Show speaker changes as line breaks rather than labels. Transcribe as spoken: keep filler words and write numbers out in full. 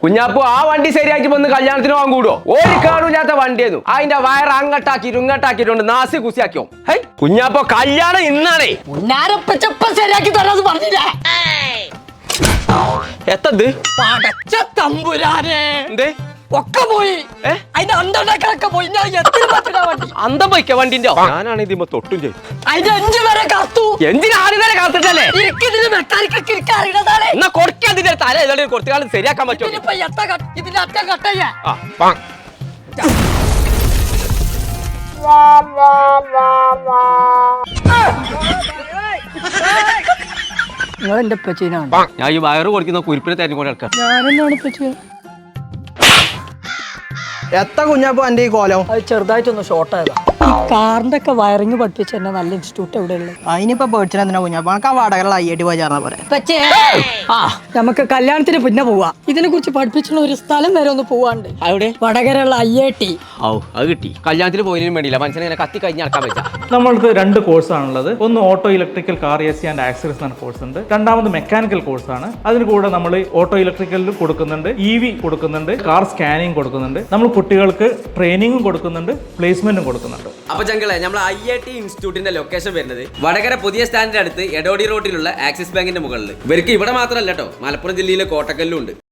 കുഞ്ഞാപ്പു ആ വണ്ടി ശരിയാക്കി വന്ന് കല്യാണത്തിന് പോകാൻ കൂടുവോ? ഒരു കാണൂല്ലാത്ത വണ്ടിയായിരുന്നു. അതിന്റെ വയർ അങ്ങട്ടാക്കിട്ട് ഇങ്ങട്ടാക്കിയിട്ടുണ്ട് നാസി കുസിയാക്കിയോ. ഹൈ കുഞ്ഞാപ്പോ കല്യാണം ഇന്നാണേ.
ശരിയാക്കി തരാന്ന് പറഞ്ഞില്ല.
എത്തത്
പടച്ച തമ്പുരാനെ
എന്തേ
ഒക്കെ പോയി. അതിന്റെ അന്തണ്ടാക്കളൊക്കെ പോയി. വണ്ടി
അന്തം പോയിക്ക വണ്ടിന്റെ. ഞാനാണ് ഇതിമ്മ തൊട്ടും ചെയ്തു.
അതിന്റെ അഞ്ചു വരെ കാത്തു.
എന്തിനാ ആദ്യം വരെ കാത്തിട്ടല്ലേ?
മെക്കാനിക്കൊക്കെ ഇരിക്കാൻ അറിയണതാണ്.
എന്നാ കൊടുക്കാതിന്റെ തല ഏതാണ്ട് കുറച്ചു കാലം ശരിയാക്കാൻ പറ്റുമോ?
ഇതിന്റെ അറ്റം കട്ടയ്യ നിങ്ങൾ എന്റെ പച്ചീനാണ്.
ഞാൻ ഈ വയറ് കൊടുക്കുന്ന കുരിപ്പിനെ തെരഞ്ഞുകൊണ്ട് എടുക്കാം.
ഞാനെന്നാണ് പച്ച
എത്ര കുഞ്ഞാപ്പോ എന്റെ ഈ കോലം
അത് ചെറുതായിട്ടൊന്ന് ഷോർട്ടായതാ. ഈ കാറിന്റെ ഒക്കെ വയറിങ് പഠിപ്പിച്ച എന്നെ നല്ല ഇൻസ്റ്റിറ്റ്യൂട്ട് എവിടെയുള്ളത്?
അതിനിപ്പോ പേടിച്ചാ കുഞ്ഞാപ്പോ നമുക്ക് ആ വാടകയുള്ള ഐ ഐ ടി പോയി ചേർന്നാ പോലെ.
ആ നമുക്ക് കല്യാണത്തിന് പിന്നെ പോവാ. ഇതിനെ കുറിച്ച് പഠിപ്പിച്ചുള്ള ഒരു സ്ഥലം വരെ ഒന്ന് പോവാണ്ട്.
അവിടെ
വടകരയുള്ള ഐ ഐ ടി.
ഓ അത് കിട്ടി. കല്യാണത്തിന് പോയതിനും വേണ്ടിയില്ല മനുഷ്യനെ ഇങ്ങനെ കത്തി കഴിഞ്ഞ് നടക്കാൻ പറ്റാ.
നമ്മൾക്ക് രണ്ട് കോഴ്സാണുള്ളത്. ഒന്ന് auto electrical car A C and accessories എന്ന കോഴ്സ് ഉണ്ട്. രണ്ടാമത് മെക്കാനിക്കൽ കോഴ്സാണ്. അതിന് കൂടെ നമ്മൾ ഓട്ടോ ഇലക്ട്രിക്കലിൽ കൊടുക്കുന്നുണ്ട്, ഇ വി കൊടുക്കുന്നുണ്ട്, കാർ സ്കാനിങ് കൊടുക്കുന്നുണ്ട്. നമ്മൾ കുട്ടികൾക്ക് ട്രെയിനിങ്ങും കൊടുക്കുന്നുണ്ട്, പ്ലേസ്മെന്റും കൊടുക്കുന്നുണ്ട്.
അപ്പൊ ചങ്കളെ നമ്മൾ ഐ ഐ ടി ഇൻസ്റ്റിറ്റ്യൂട്ടിന്റെ ലൊക്കേഷൻ വരുന്നത് വടകര പുതിയ സ്റ്റാൻഡിന്റെ അടുത്ത് എടോടി റോഡിലുള്ള ആക്സിസ് ബാങ്കിന്റെ മുകളിൽ. ഇവർക്ക് ഇവിടെ മാത്രമല്ല കേട്ടോ, മലപ്പുറം ജില്ലയിലെ കോട്ടക്കല്ലും ഉണ്ട്.